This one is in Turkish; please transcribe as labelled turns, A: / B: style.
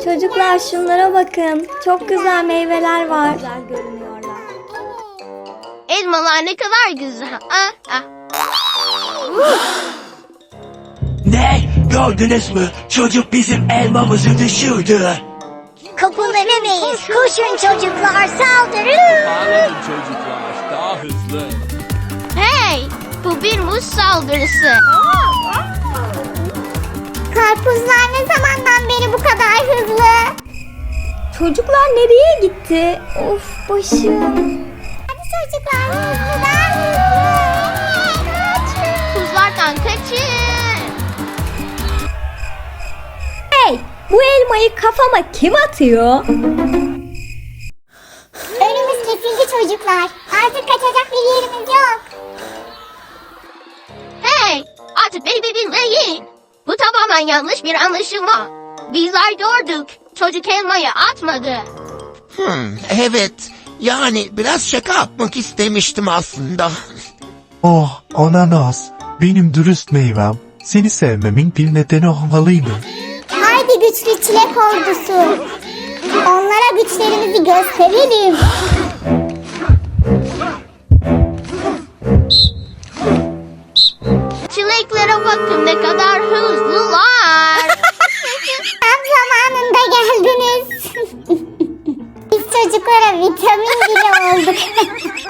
A: Çocuklar şunlara bakın. Çok güzel meyveler var. Güzel görünüyorlar.
B: Elmalar ne kadar güzel.
C: Ne? Gördünüz mü? Çocuk bizim elmamızı düşürdü.
D: Kapılamayız. Koşun çocuklar, saldırın.
E: Bağlanın çocuklar, daha hızlı.
B: Hey, bu bir muz saldırısı.
D: Karpuzlar ne zamandan beri bu kadar hızlı?
A: Çocuklar nereye gitti? Of başım.
D: Hadi çocuklar, hızlı, daha hızlı. Kaçın.
B: Tuzlardan kaçın.
A: Hey, bu elmayı kafama kim atıyor?
D: Önümüz kesildi çocuklar. Artık kaçacak bir yerimiz yok.
B: Hey, artık beni bir dinleyin. Bu tamamen yanlış bir anlaşılma. Bizler gördük. Çocuk elmayı atmadı.
F: Evet. Yani biraz şaka yapmak istemiştim aslında.
G: Oh ananas, benim dürüst meyvem. Seni sevmemin bir nedeni olmalıydı.
D: Haydi güçlü çilek ordusu. Onlara güçlerimizi gösterelim.
B: Çileklere bakın ne kadar hızlılar.
D: Tam zamanında geldiniz. Biz çocuklara vitamin bile olduk.